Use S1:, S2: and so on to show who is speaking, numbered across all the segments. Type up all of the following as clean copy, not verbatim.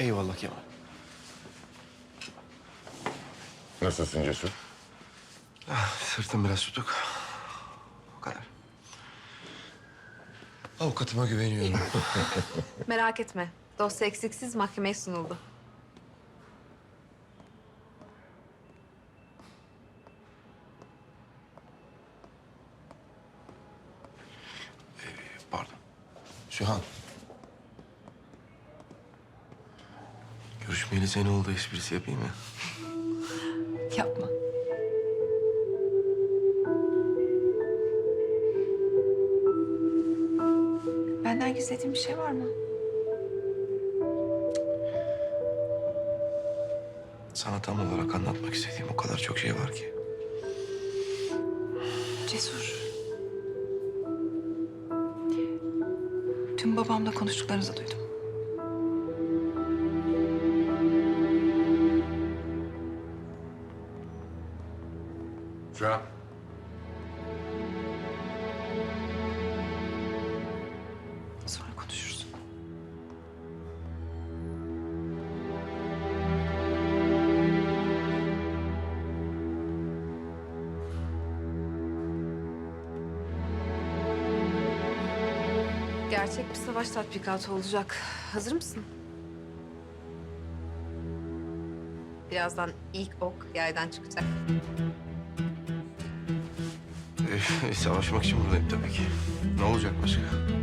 S1: Eyvallah Kemal.
S2: Nasılsın Cesur?
S1: Sırtım biraz tutuk. O kadar. Avukatıma güveniyorum.
S3: Merak etme. Dosya eksiksiz mahkemeye sunuldu.
S1: Pardon. Sühan. Görüşmeyeli sene oldu, esprisi yapayım mı?
S3: Yapma.
S4: Benden gizlediğin bir şey var mı?
S1: Sana tam olarak anlatmak istediğim o kadar çok şey var ki.
S4: Cesur. Tüm babamla konuştuklarınızı duydum.
S2: Şu an.
S4: Sonra konuşuruz.
S3: Gerçek bir savaş tatbikatı olacak. Hazır mısın? Birazdan ilk ok yaydan çıkacak.
S1: Savaşmak için buradayım tabii ki. Ne olacak başka?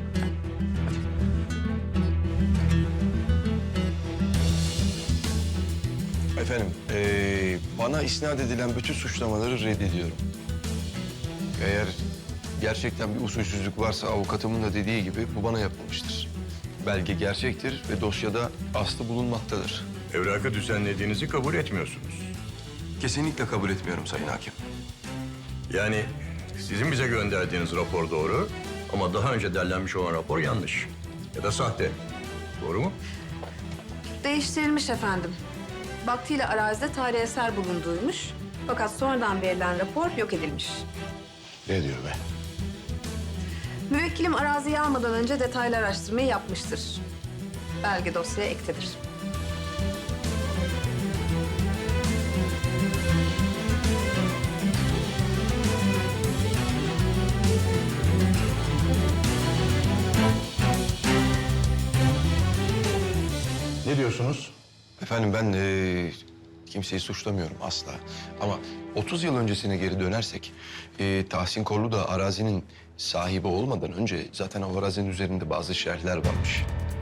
S1: Efendim, bana isnat edilen bütün suçlamaları reddediyorum. Eğer gerçekten bir usulsüzlük varsa avukatımın da dediği gibi bu bana yapılmıştır. Belge gerçektir ve dosyada aslı bulunmaktadır.
S5: Evrakı düzenlediğinizi kabul etmiyorsunuz.
S1: Kesinlikle kabul etmiyorum Sayın Hakim.
S5: Yani sizin bize gönderdiğiniz rapor doğru ama daha önce derlenmiş olan rapor yanlış ya da sahte. Doğru mu?
S3: Değiştirilmiş efendim. Vaktiyle arazide tarihi eser bulunduğuymuş. Fakat sonradan verilen rapor yok edilmiş.
S2: Ne diyor be?
S3: Müvekkilim araziyi almadan önce detaylı araştırmayı yapmıştır. Belge dosyaya ektedir.
S2: Ne diyorsunuz?
S1: Efendim ben kimseyi suçlamıyorum asla. Ama 30 yıl öncesine geri dönersek Tahsin Korlu da arazinin sahibi olmadan önce zaten o arazinin üzerinde bazı şerhler varmış.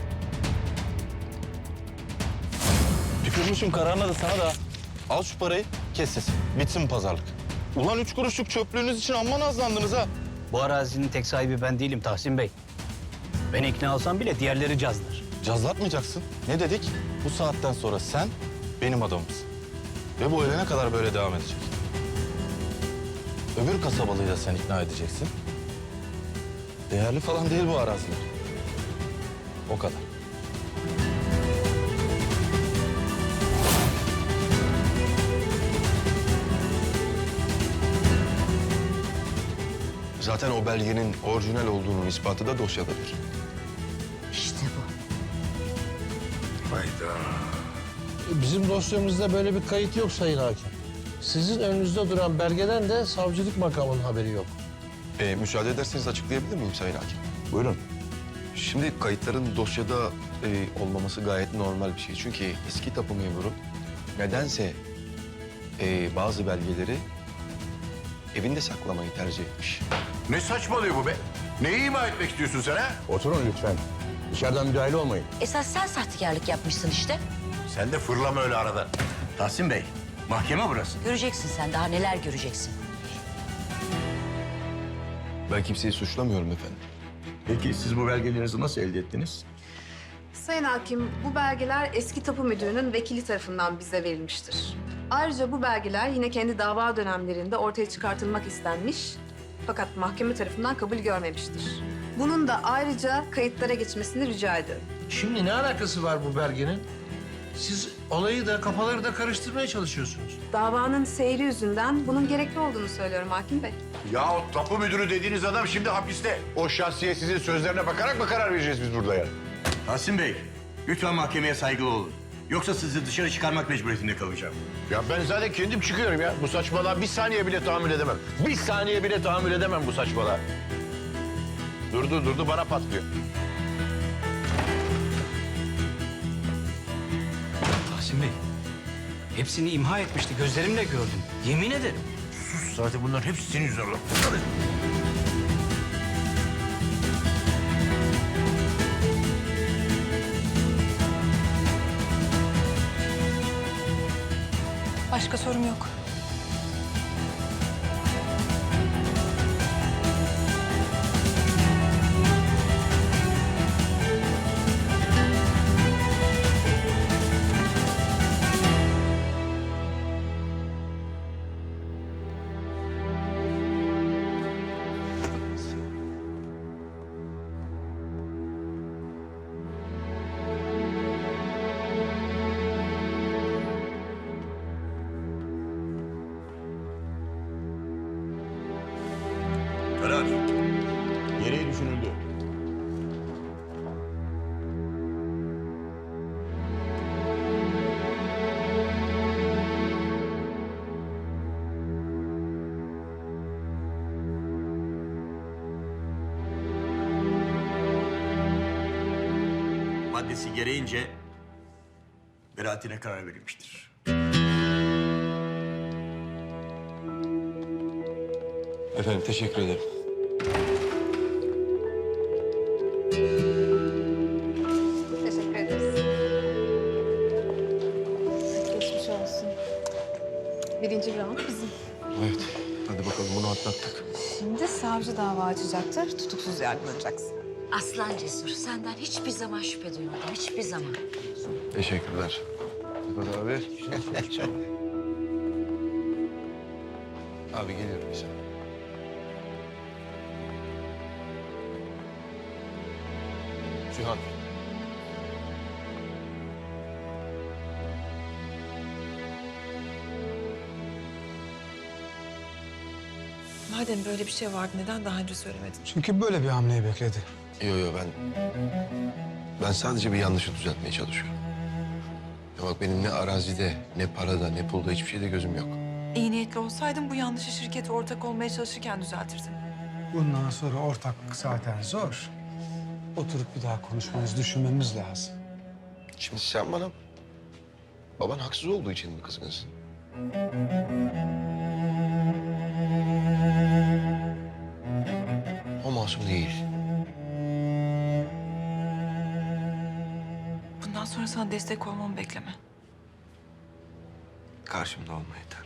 S6: Tükürmüşüm kararına da sana da. Al şu parayı, kes sesi. Bitsin pazarlık. Ulan 3 kuruşluk çöplüğünüz için amma nazlandınız ha.
S7: Bu arazinin tek sahibi ben değilim Tahsin Bey. Ben ikna olsam bile diğerleri cazlar.
S6: Cazlatmayacaksın. Ne dedik? Bu saatten sonra sen benim adamımsın. Ve bu ölene kadar böyle devam edecek. Öbür kasabalıyı da sen ikna edeceksin. Değerli falan değil bu araziler. O kadar.
S1: Zaten o belgenin orijinal olduğunun ispatı da dosyadadır.
S8: İşte bu.
S2: Hayda.
S9: Bizim dosyamızda böyle bir kayıt yok Sayın Hakim. Sizin önünüzde duran belgeden de savcılık makamının haberi yok.
S1: Müsaade ederseniz açıklayabilir miyim Sayın Hakim?
S6: Buyurun.
S1: Şimdi kayıtların dosyada olmaması gayet normal bir şey. Çünkü eski tapu memuru nedense bazı belgeleri evinde saklamayı tercih etmiş.
S2: Ne saçmalıyor bu be? Neyi ima etmek istiyorsun sen ha?
S6: Oturun lütfen. Dışarıdan müdahale olmayın.
S8: Esas sen sahtekarlık yapmışsın işte.
S2: Sen de fırlama öyle arada.
S5: Tahsin Bey, mahkeme burası.
S8: Göreceksin sen daha neler göreceksin.
S1: Ben kimseyi suçlamıyorum efendim.
S5: Peki siz bu belgelerinizi nasıl elde ettiniz?
S3: Sayın Hakim, bu belgeler eski tapu müdürünün vekili tarafından bize verilmiştir. Ayrıca bu belgeler yine kendi dava dönemlerinde ortaya çıkartılmak istenmiş fakat mahkeme tarafından kabul görmemiştir. Bunun da ayrıca kayıtlara geçmesini rica ediyorum.
S9: Şimdi ne alakası var bu belgenin? Siz olayı da kafaları da karıştırmaya çalışıyorsunuz.
S3: Davanın seyri yüzünden bunun gerekli olduğunu söylüyorum Hakim Bey.
S2: Ya o tapu müdürü dediğiniz adam şimdi hapiste. O şahsiye sizin sözlerine bakarak mı karar vereceğiz biz burada ya?
S5: Tahsin Bey, lütfen mahkemeye saygılı olun. Yoksa sizi dışarı çıkarmak mecburiyetinde kalacağım.
S2: Ya ben zaten kendim çıkıyorum ya. Bu saçmalığa bir saniye bile tahammül edemem. Bir saniye bile tahammül edemem bu saçmalığa. Durdu bana patlıyor.
S7: Tahsin Bey, hepsini imha etmişti. Gözlerimle gördüm. Yemin ederim.
S2: Zaten bunların hepsi senin yüzünden.
S4: Başka sorum yok.
S5: Karar. Gereği düşünüldü. Maddesi gereğince beraatine karar verilmiştir.
S1: Efendim teşekkür ederim.
S3: Teşekkür ederiz. Geçmiş olsun. Birinci round bizim.
S1: Evet. Hadi bakalım bunu atlattık.
S4: Şimdi savcı dava açacaktır. Tutuksuz yargılanacaksın.
S8: Aslan Cesur, senden hiçbir zaman şüphe duymadım. Hiçbir zaman.
S1: Teşekkürler. Sedat abi. Abi geliyorum bir saniye. Sühan.
S4: Madem böyle bir şey vardı neden daha önce söylemedin?
S10: Çünkü böyle bir hamleyi bekledi.
S1: Yo ben sadece bir yanlışı düzeltmeye çalışıyorum. Ya bak benim ne arazide, ne parada, ne pulda hiçbir şeyde gözüm yok.
S4: İyi niyetli olsaydın bu yanlışı şirkete ortak olmaya çalışırken düzeltirdin.
S10: Bundan sonra ortaklık zaten zor. Oturup bir daha konuşmamız, düşünmemiz lazım.
S1: Şimdi sen bana baban haksız olduğu için mi kızgınsın? O masum değil.
S4: Bundan sonra sana destek olmamı bekleme.
S1: Karşımda olma yeter.